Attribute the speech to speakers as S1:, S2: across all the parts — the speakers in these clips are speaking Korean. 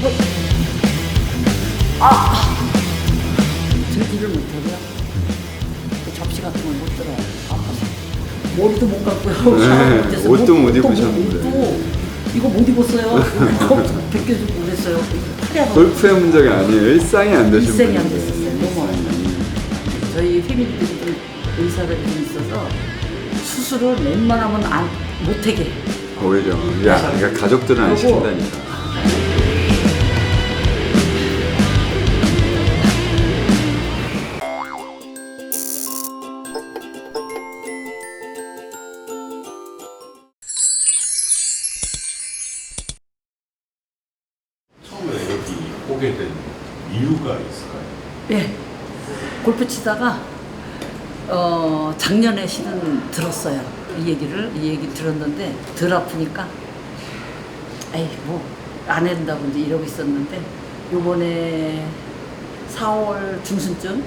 S1: 들지를 못하고요. 접시 같은 걸 못 들어요. 아파서. 머리도 못 감고요.
S2: 네, 옷도 못 입으셨는데.
S1: 이거 못 입었어요. 벗겨주고 그랬어요.
S2: 골프의 문제가 아니에요. 일상이 안 되신
S1: 일생이 안
S2: 분인데.
S1: 됐었어요. 너무 저희 패밀리들이 좀 의사가 좀 있어서 수술을 웬만하면 못하게 해요.
S2: 오히려 그러니까 가족들은 안 시킨다니까.
S3: 처음에 여기 오게 된 이유가 있을까요?
S1: 예. 골프 치다가 작년에 실은 들었어요. 이 얘기 들었는데 덜 아프니까 에이 뭐 안 해야 된다고 이제 이러고 있었는데 요번에 4월 중순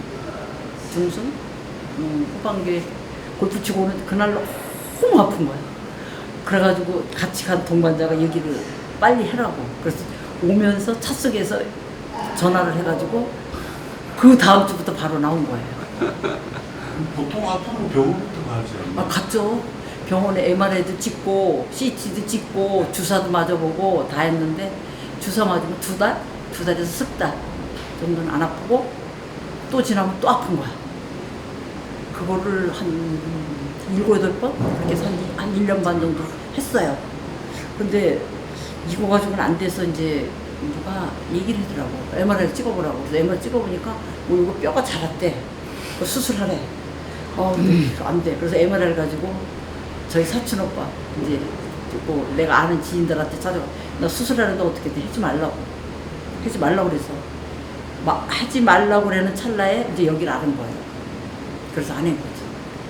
S1: 후반기에 골프 치고 오는 그날 너무 아픈 거야. 그래가지고 같이 간 동반자가 얘기를 빨리 해라고. 그래서 오면서 차 속에서 전화를 해가지고 그 다음 주부터 바로 나온 거예요.
S3: 보통 아프면 병원부터 가지 않나요?
S1: 갔죠. 병원에 MRI도 찍고 CT도 찍고 주사도 맞아보고 다 했는데 주사 맞으면 두 달에서 석 달 정도는 안 아프고 또 지나면 또 아픈 거야. 그거를 한 7, 8번 그렇게 해서 한 1년 반 정도 했어요. 근데 이거 가지고는 안 돼서 이제 누가 얘기를 하더라고. MRI 찍어보라고. 그래서 MRI 찍어보니까 뭐 이거 뼈가 자랐대. 그거 수술하래. 안 돼. 그래서 MRI를 가지고 저희 사촌 오빠 이제 뭐 내가 아는 지인들한테 찾아가. 나 수술하는데 어떻게 돼? 하지 말라고 그래서 하지 말라고 그러는 찰나에 이제 여기를 아는 거예요. 그래서 안 한 거지.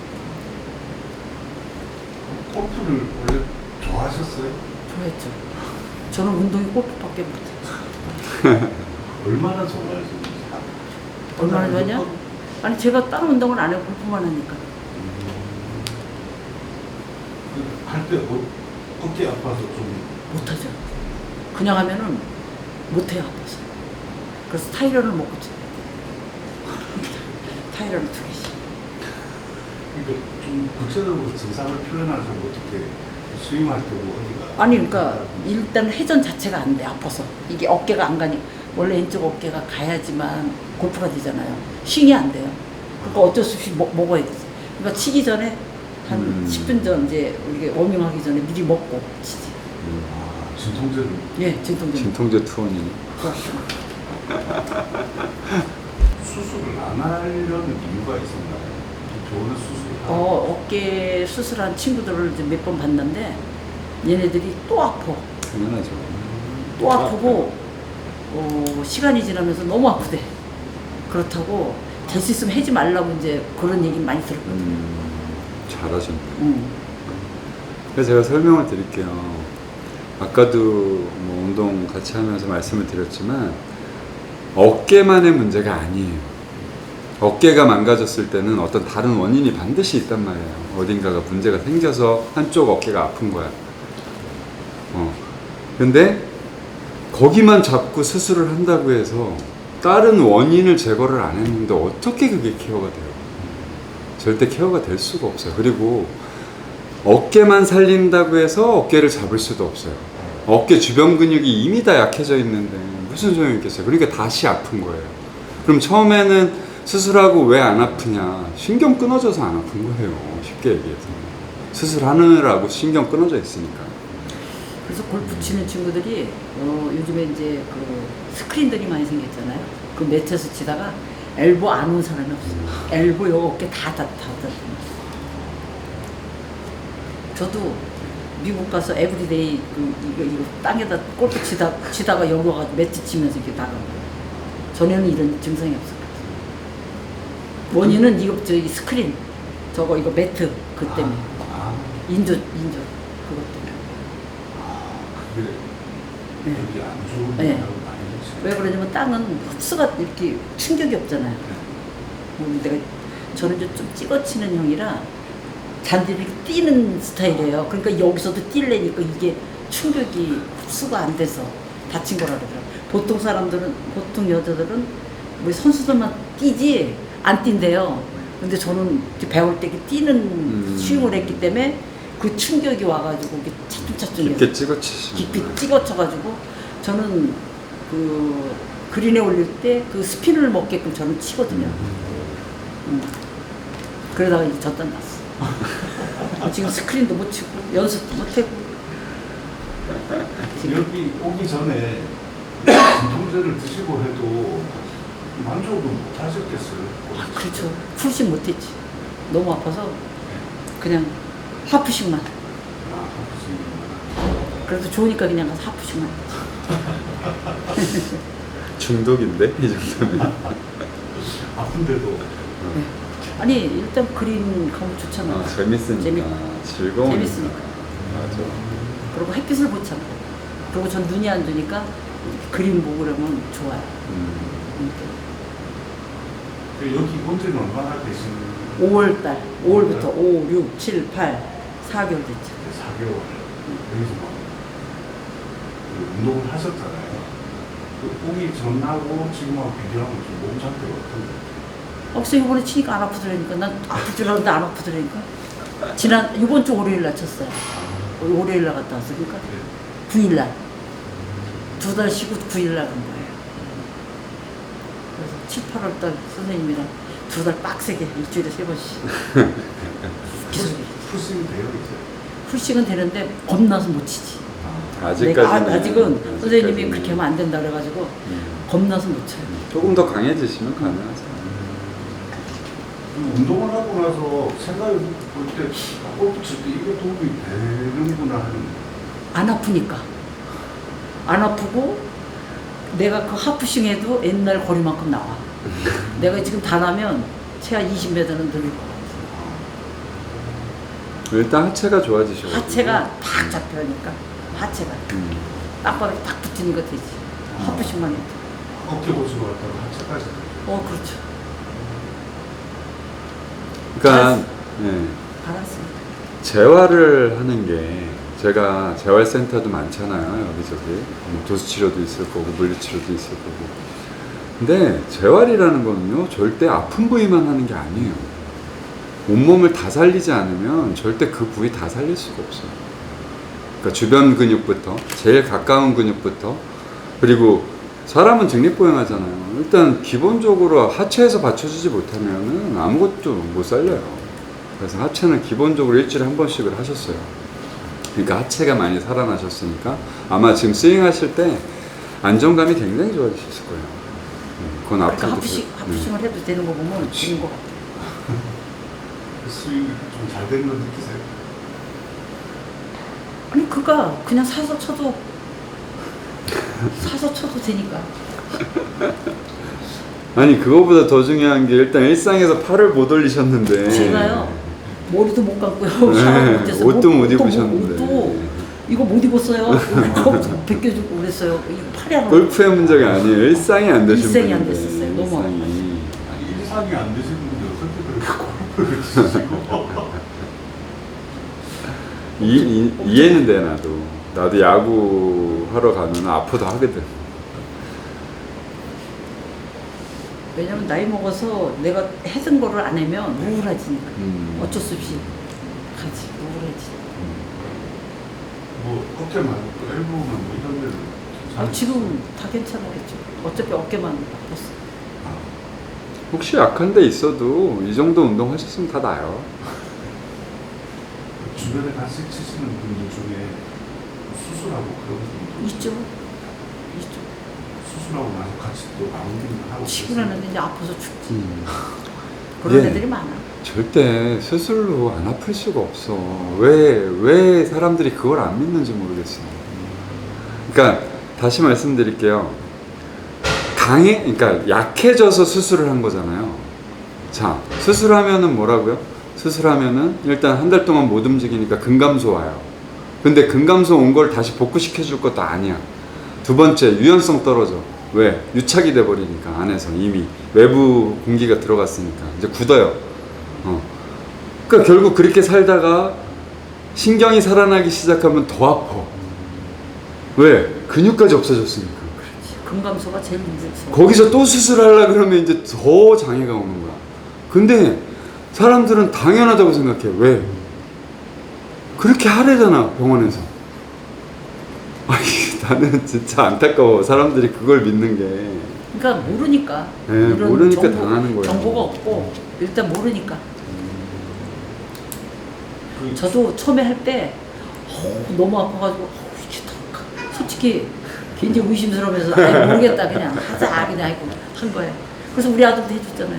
S3: 골프를 원래 좋아하셨어요?
S1: 좋아했죠. 저는 운동이 골프밖에 못해요.
S3: 얼마나 좋아하셨는지.
S1: 얼마나 좋아하냐? 아니 제가 다른 운동을 안 해요. 골프만 하니까.
S3: 할 때 어깨 아파서 좀
S1: 못하죠. 그냥 하면은 못해요. 아파서. 그래서 타이런을 먹고 쳐요. 타이런을 2개씩.
S3: 그러니까 좀 구체적으로 증상을 표현하자면 어떻게 스윙할 때 뭐 어디가
S1: 아니 그러니까 일단 회전 자체가 안 돼. 아파서. 이게 어깨가 안 가니 원래 왼쪽 어깨가 가야지만 골프가 되잖아요. 윙이 안 돼요. 그러니까 어쩔 수 없이 먹어야 되지. 그러니까 치기 전에 한 10분 전 이제 우리가 워밍하기 전에 미리 먹고 치지.
S3: 진통제를
S1: 예, 진통제.
S2: 진통제 투혼이네.
S3: 수술을 안 하려는 이유가 있었나요? 병원에 수술을
S1: 어깨 수술한 친구들을 이제 몇 번 봤는데 얘네들이 또 아파.
S2: 당연하죠.
S1: 또 아프고 시간이 지나면서 너무 아프대. 그렇다고 될 수 있으면 하지 말라고 이제 그런 얘기 많이 들었거든.
S2: 잘하셨네. 그래서 제가 설명을 드릴게요. 아까도 뭐 운동 같이 하면서 말씀을 드렸지만 어깨만의 문제가 아니에요. 어깨가 망가졌을 때는 어떤 다른 원인이 반드시 있단 말이에요. 어딘가가 문제가 생겨서 한쪽 어깨가 아픈 거야. 근데 거기만 잡고 수술을 한다고 해서 다른 원인을 제거를 안 했는데 어떻게 그게 케어가 돼요? 절대 케어가 될 수가 없어요. 그리고 어깨만 살린다고 해서 어깨를 잡을 수도 없어요. 어깨 주변 근육이 이미 다 약해져 있는데 무슨 소용이 있겠어요. 그러니까 다시 아픈 거예요. 그럼 처음에는 수술하고 왜 안 아프냐? 신경 끊어져서 안 아픈 거예요. 쉽게 얘기해서. 수술하느라고 신경 끊어져 있으니까.
S1: 그래서 골프 치는 친구들이 요즘에 이제 그 스크린들이 많이 생겼잖아요. 그 매트에서 치다가 엘보 안 온 사람이 없어요. 엘보 요 어깨 다. 저도 미국 가서 에브리데이 이거 땅에다 골프 치다가 여기 와가지고 매트 치면서 이렇게 나간 거예요. 전에는 이런 증상이 없었거든요. 원인은 이거 저기 스크린 이거 매트 그 때문에 인조 그것 때문에.
S3: 그게
S1: 네.
S3: 여기 안 좋은
S1: 네.
S3: 영향을 많이 미치죠.
S1: 왜 그러냐면 땅은 흡수가 이렇게 충격이 없잖아요. 저는 좀 찍어치는 형이라 잔디를 이렇게 뛰는 스타일이에요. 그러니까 여기서도 뛰려니까 이게 충격이 흡수가 안 돼서 다친 거라 그러더라고요. 보통 사람들은, 보통 여자들은 우리 선수들만 뛰지 안 뛴대요. 근데 저는 이제 배울 때 이렇게 뛰는 스윙을 했기 때문에 그 충격이 와가지고 이게 차츰차츰
S2: 깊게 찍어치시는
S1: 깊이
S2: 거예요.
S1: 찍어쳐가지고 저는 그 그린에 올릴 때 그 스핀을 먹게끔 저는 치거든요. 그러다가 이제 젖단 났어. 지금 스크린도 못 치고 연습도 못 하고.
S3: 여기 오기 전에 진통제를 드시고 해도 만족은 못 하셨겠어요?
S1: 아, 그렇죠. 풀씩 못했지. 너무 아파서 그냥 하프씩만.
S3: 아, 아프시구나.
S1: 그래도 좋으니까 그냥 가서 하프씩만.
S2: 중독인데 이 정도면.
S3: 아픈데도
S1: 네. 아니 일단 그린 가면 좋잖아.
S2: 재밌으니까 즐거우니까.
S1: 재밌으니까.
S2: 맞아.
S1: 그리고 햇빛을 못 참고. 그리고 전 눈이 안 좋으니까 그림 보고 그러면 좋아요.
S3: 여기 온 지는 얼마나 되신
S1: 5월달, 5월부터 5, 6, 7, 8, 4개월 됐죠.
S3: 4개월 여기서 막 운동을 하셨잖아요. 그 오기 전하고 지금하고 비교하면 좀 몸 상태가 어떤데?
S1: 억서 이번에 치니까 안 아프더라니까. 난 아플 줄 알았는데 안 아프더라니까. 지난 이번 주 월요일 날 쳤어요. 월요일 날 갔다 왔으니까 9일 날. 2달 쉬고 9일 날 간 거예요. 그래서 7, 8월 달 선생님이랑 2달 빡세게 일주일에 3번씩. 계속
S3: 풀스윙 되어 있어요.
S1: 풀씩은 되는데 겁나서 못 치지.
S2: 아직까지는.
S1: 아직은 선생님이 그렇게 하면 안 된다 그래가지고 겁나서 못 쳐요.
S2: 조금 더 강해지시면 가능하죠.
S3: 운동을 하고 나서 생각해 볼때 골프 칠 때 이게 도움이 되는구나 하는.
S1: 안 아프니까. 안 아프고 내가 그 하프싱 해도 옛날 거리만큼 나와. 내가 지금 다 나면 최하 20m는 늘릴 것 같아.
S2: 일단 하체가 좋아지셔.
S1: 하체가 탁 잡혀니까 하체가 땅바닥에 딱 붙이는 거 되지. 하프싱만 해도.
S3: 어깨 고치고 갔다가 하체까지.
S1: 그렇죠.
S2: 그러니까 네.
S1: 알았어요.
S2: 재활을 하는 게 제가 재활센터도 많잖아요. 여기저기 도수치료도 있을 거고 물리치료도 있을 거고. 근데 재활이라는 거는요 절대 아픈 부위만 하는 게 아니에요. 온몸을 다 살리지 않으면 절대 그 부위 다 살릴 수가 없어요. 그러니까 주변 근육부터 제일 가까운 근육부터 그리고 사람은 직립보행하잖아요. 일단 기본적으로 하체에서 받쳐주지 못하면은 아무것도 못 살려요. 그래서 하체는 기본적으로 일주일에 한 번씩을 하셨어요. 그러니까 하체가 많이 살아나셨으니까 아마 지금 스윙하실 때 안정감이 굉장히 좋아지실 거예요. 그건
S1: 그러니까
S2: 앞으로도
S1: 하프싱을 해도 되는 거 보면 되는 것 같아.
S3: 스윙이 좀 잘 되는 걸 느끼세요?
S1: 아니 그가 그냥 사서 쳐도 되니까.
S2: 아니 그거보다 더 중요한 게 일단 일상에서 팔을 못 올리셨는데
S1: 제가요 머리도 못 감고요.
S2: 네,
S1: 샤워도 못했어요.
S2: 옷도 못 입으셨는데.
S1: 옷도 이거 못 입었어요. 이거 벗겨주고 그랬어요. 이거 팔이 안
S2: 골프의 문제가 아니에요. 일상이 안 되신
S1: 일상이 안
S2: 분인데,
S1: 됐었어요. 너무
S2: 일상이.
S3: 아니 일상이 안 되시는 분이 어떻게 그렇게 골프를 치시고
S2: 이해는 돼 나도 야구 하러 가면 아프다 하거든.
S1: 왜냐면 나이 먹어서 내가 했던 거를 안 하면 우울해지니까. 어쩔 수 없이 가지. 우울해지.
S3: 뭐 어깨만 또 엘보만 뭐 이런 데는
S1: 지금 다 괜찮아겠죠. 어차피 어깨만 아팠어.
S2: 혹시 약한 데 있어도 이 정도 운동 하셨으면 다 나아요.
S3: 주변에 같이 치시는 분들 중에 수술하고 그런 분들
S1: 있죠.
S3: 수술하고 나서 같이 또 마운딩을 하고
S1: 치고 나는데 이제 아파서 죽지.
S2: 음.
S1: 그런
S2: 예.
S1: 애들이 많아.
S2: 절대 수술로 안 아플 수가 없어. 왜 사람들이 그걸 안 믿는지 모르겠어. 그러니까 다시 말씀드릴게요. 그러니까 약해져서 수술을 한 거잖아요. 자, 수술하면은 뭐라고요? 수술하면은 일단 한 달 동안 못 움직이니까 근감소 와요. 근데 근감소 온 걸 다시 복구시켜 줄 것도 아니야. 두 번째, 유연성 떨어져. 왜? 유착이 돼 버리니까 안에서 이미 외부 공기가 들어갔으니까 이제 굳어요. 그러니까 결국 그렇게 살다가 신경이 살아나기 시작하면 더 아파. 왜? 근육까지 없어졌으니까.
S1: 근감소가 제일 문제죠.
S2: 거기서 또 수술하려 그러면 이제 더 장애가 오는 거야. 근데 사람들은 당연하다고 생각해. 왜? 그렇게 하래잖아, 병원에서. 아니, 나는 진짜 안타까워. 사람들이 그걸 믿는 게.
S1: 그러니까 모르니까.
S2: 네,
S1: 이런
S2: 모르니까 당하는 거예요.
S1: 정보가 없고 일단 모르니까.
S3: 그
S1: 저도 처음에 할 때 너무 아파가지고 이게 솔직히 굉장히 의심스러우면서 아이, 모르겠다 그냥 하자 그냥 하고 한 거예요. 그래서 우리 아들도 해줬잖아요.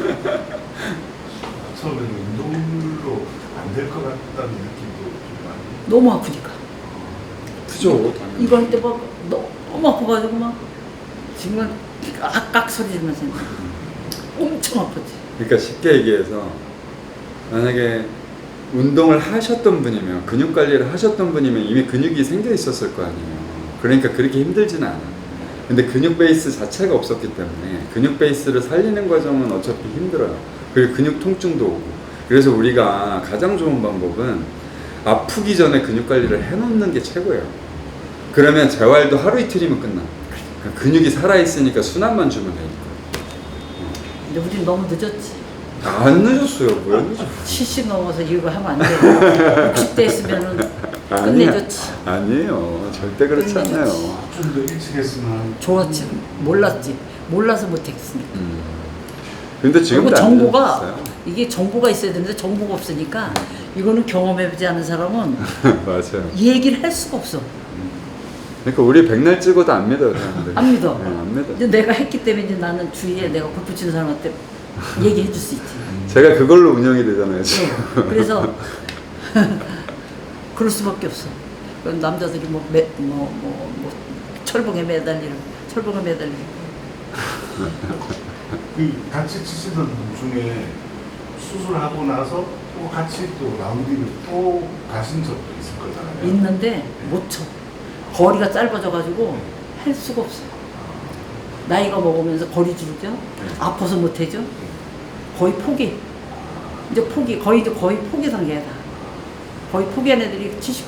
S3: 처음에는 운동으로 안 될 것 같다는 느낌도 좀 많이.
S1: 너무 아프니까.
S2: 그죠?
S1: 이거 할 때 막 너무 아파가지고 막 정말 악악 소리 지르면서 엄청 아팠지.
S2: 그러니까 쉽게 얘기해서 만약에 운동을 하셨던 분이면 근육 관리를 하셨던 분이면 이미 근육이 생겨 있었을 거 아니에요. 그러니까 그렇게 힘들지는 않아. 근데 근육 베이스 자체가 없었기 때문에 근육 베이스를 살리는 과정은 어차피 힘들어요. 그리고 근육 통증도 오고. 그래서 우리가 가장 좋은 방법은 아프기 전에 근육 관리를 해놓는 게 최고예요. 그러면 재활도 하루 이틀이면 끝나. 그러니까 근육이 살아있으니까 순환만 주면 되니까.
S1: 근데 우린 너무 늦었지.
S2: 안 늦었어요. 뭐야 늦었어.
S1: 70 넘어서 이거 하면 안 돼. 60대 있으면은 끝내줬지.
S2: 아니에요. 절대 그렇지
S1: 끝내줬지.
S2: 않아요.
S3: 좀 더 일찍 했으면
S1: 좋았지. 몰랐지. 몰라서 못했으니까.
S2: 근데 지금도
S1: 그리고
S2: 안
S1: 정보가
S2: 늦었어요.
S1: 이게 정보가 있어야 되는데 정보가 없으니까 이거는 경험해보지 않은 사람은
S2: 맞아요.
S1: 이 얘기를 할 수가 없어.
S2: 그러니까 우리 백날 찍어도 안 믿어요, 사람들.
S1: 안 믿어.
S2: 네, 안 믿어.
S1: 근데 내가 했기 때문에 이제 나는 주위에 내가 골프 치는 사람한테 얘기해 줄 수 있지.
S2: 제가 그걸로 운영이 되잖아요, 지금.
S1: 그래서 그럴 수밖에 없어. 그럼 남자들이 철봉에 매달리고
S3: 그 같이 치시던 분 중에 수술하고 나서 또 같이 또 라운딩을 또 가신 적도 있을 거잖아요.
S1: 있는데 못 쳐. 거리가 짧아져가지고 할 수가 없어. 나이가 먹으면서 거리 줄죠. 아파서 못 해죠. 거의 포기. 이제 포기. 거의 포기 단계야 다. 거의 포기한 애들이 70%.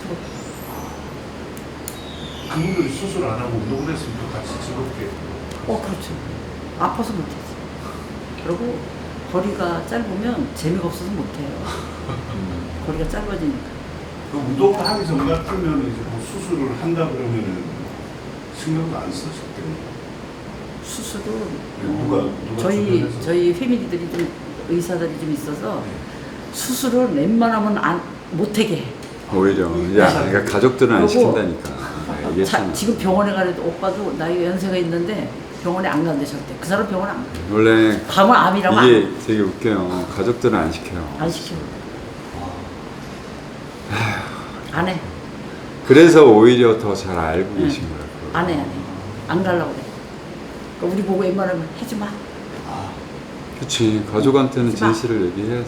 S3: 그분들이 수술 안 하고 운동을 했으면 또 같이 즐겁게.
S1: 그렇죠. 아파서 못 하지. 그리고 거리가 짧으면 재미가 없어서 못 해요. 거리가 짧아지니까.
S3: 그 운동을 하기 전 같으면 이제 뭐 수술을 한다 그러면은 신경도 안 쓰실 텐데.
S1: 수술은
S3: 누가 주변에서?
S1: 저희 패밀리들이 좀 의사들이 좀 있어서 수술을 웬만하면 못하게 해.
S2: 오히려. 야, 그러니까 가족들은 안
S1: 그리고
S2: 시킨다니까. 네, 얘기했잖아.
S1: 지금 병원에 가려도 오빠도 나이 연세가 있는데 병원에 안 간대 절대. 그 사람 병원 안 가.
S2: 원래
S1: 가면 암이라고
S2: 이게 되게 웃겨요. 가족들은 안 시켜요.
S1: 안 시켜. 안 해.
S2: 그래서 오히려 더 잘 알고 계신 거예요.
S1: 안 해. 안 가려고 그래. 그러니까 우리 보고 웬만하면 하지 마.
S2: 그치. 가족한테는
S1: 하지 마.
S2: 진실을 얘기해야지.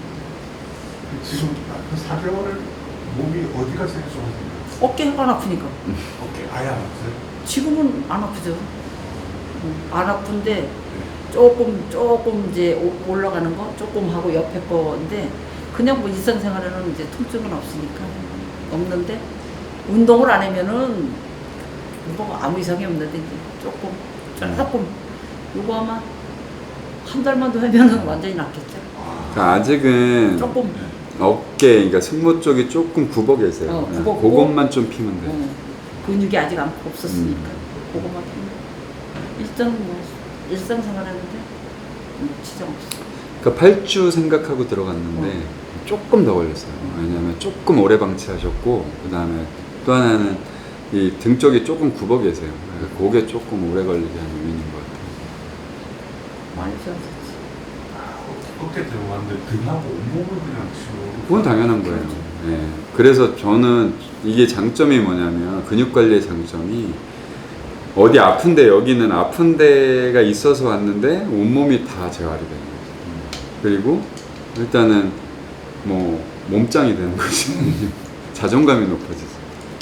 S3: 지금 4개월을 몸이 어디가 제일 좋아하세요?
S1: 어깨가 안 아프니까.
S3: 어깨 아예 안 아프세요?
S1: 지금은 안 아프죠. 안 아픈데 조금 이제 올라가는 거 조금 하고 옆에 거인데 그냥 뭐 일상생활에는 이제 통증은 없으니까 없는데 운동을 안 하면은 뭐 아무 이상이 없는데 이제 조금 요거 아마 한 달만 더 하면은 완전히 낫겠죠.
S2: 그러니까 아직은
S1: 조금
S2: 어깨, 그러니까 승모 쪽이 조금 굽어 계세요.
S1: 굽었고.
S2: 그것만 좀 피면 돼.
S1: 근육이 아직 없었으니까 그거만 피면 일단은 뭐 일상생활하는데 지장 없어.
S2: 그러니까 8주 생각하고 들어갔는데 조금 더 걸렸어요. 왜냐하면 조금 오래 방치하셨고 그 다음에 또 하나는 이 등 쪽이 조금 굽어 계세요. 그게 조금 오래 걸리게 한 요인인 것 같아요.
S1: 많이 좋아졌지.
S3: 어깨 들어갔는데 등하고 온몸을 그냥 치고.
S2: 그건 당연한 거예요. 예. 그래서 저는 이게 장점이 뭐냐면 근육 관리의 장점이 어디 아픈데 여기는 아픈 데가 있어서 왔는데 온몸이 다 재활이 되는 거죠. 그리고 일단은 뭐 몸짱이 되는 거지. 자존감이 높아지죠.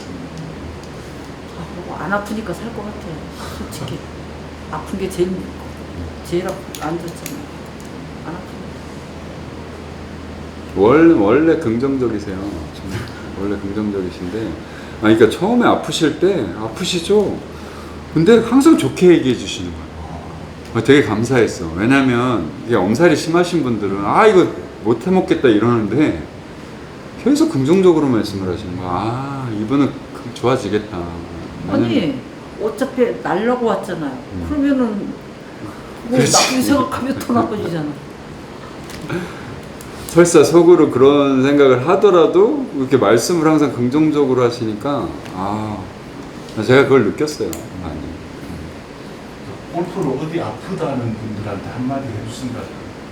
S1: 안 아프니까 살 것 같아. 솔직히 아픈 게 제일 안 좋잖아. 안 아프니까.
S2: 원래 긍정적이세요. 정말. 원래 긍정적이신데, 그러니까 처음에 아프실 때 아프시죠. 근데 항상 좋게 얘기해 주시는 거예요. 되게 감사했어. 왜냐면 이게 엄살이 심하신 분들은 아 이거 못 해먹겠다 이러는데 계속 긍정적으로 말씀을 하시는 거야. 아 이분은 좋아지겠다.
S1: 아니 어차피 날라고 왔잖아요. 그러면은 뭐
S2: 그렇지.
S1: 나쁘게 생각하면 더 나빠지잖아.
S2: 설사 속으로 그런 생각을 하더라도 이렇게 말씀을 항상 긍정적으로 하시니까 제가 그걸 느꼈어요. 많이.
S3: 골프를 어디 아프다는 분들한테 한마디 해주신다.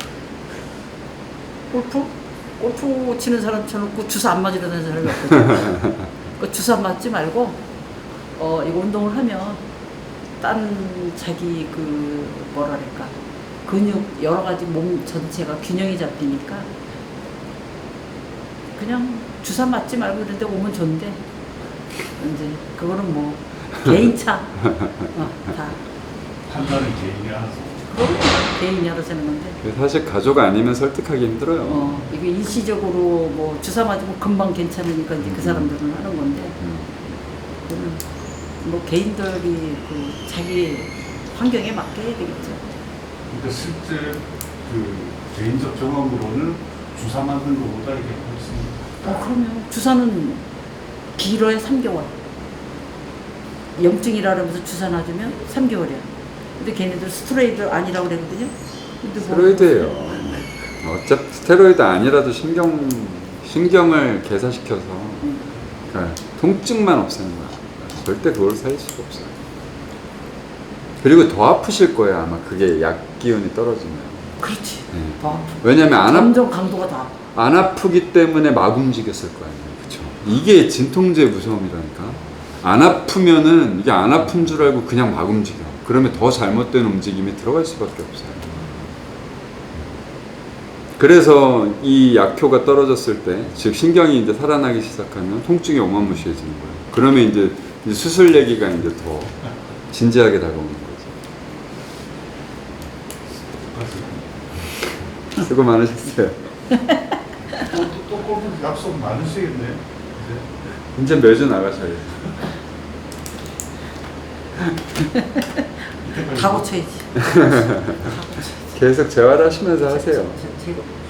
S1: 골프 치는 사람 쳐놓고 주사 안 맞으려는 사람이 없거든. 그 주사 맞지 말고 이거 운동을 하면 딴 자기 그 뭐랄까 근육 여러 가지 몸 전체가 균형이 잡히니까 그냥 주사 맞지 말고 이런 데 오면 좋은데 이제 그거는 뭐 개인차 다
S3: 판단은 개인이 알아서.
S1: 그럼 개인이 알아서 하는 건데
S2: 사실 가족 아니면 설득하기 힘들어요.
S1: 이게 일시적으로 뭐 주사 맞으면 금방 괜찮으니까 이제 그 사람들은 하는 건데 그거는 뭐 개인들이 그 자기 환경에 맞게 해야 되겠죠.
S3: 그러니까 실제 그 개인적 경험으로는 주사 맞는 것보다 이게 훨씬.
S1: 그러면 주사는 길어야 3개월. 염증이라면서 주사 놔주면 3개월이야. 근데 걔네들 스테로이드 아니라고 그러거든요. 근데 뭐
S2: 스테로이드예요. 어차피 스테로이드 아니라도 신경을 개사시켜서 그러니까 통증만 없애는 거야. 절대 그걸 살릴 수가 없어요. 그리고 더 아프실 거예요. 아마 그게 약 기운이 떨어지면.
S1: 그렇지.
S2: 네.
S1: 더 아프.
S2: 왜냐면
S1: 점점 강도가 더 아파.
S2: 안 아프기 때문에 막 움직였을 거 아니에요. 그쵸? 이게 진통제의 무서움이라니까. 안 아프면은 이게 안 아픈 줄 알고 그냥 막 움직여. 그러면 더 잘못된 움직임이 들어갈 수밖에 없어요. 그래서 이 약효가 떨어졌을 때, 즉 신경이 이제 살아나기 시작하면 통증이 어마무시해지는 거예요. 그러면 이제 수술 얘기가 이제 더 진지하게 다가오는 거죠. 수고 많으셨어요.
S3: 또 골프 약속 많으시겠네.
S2: 이제 매주 나가셔야죠.
S1: 다 고쳐야지.
S2: 계속 재활하시면서 하세요.
S1: 제가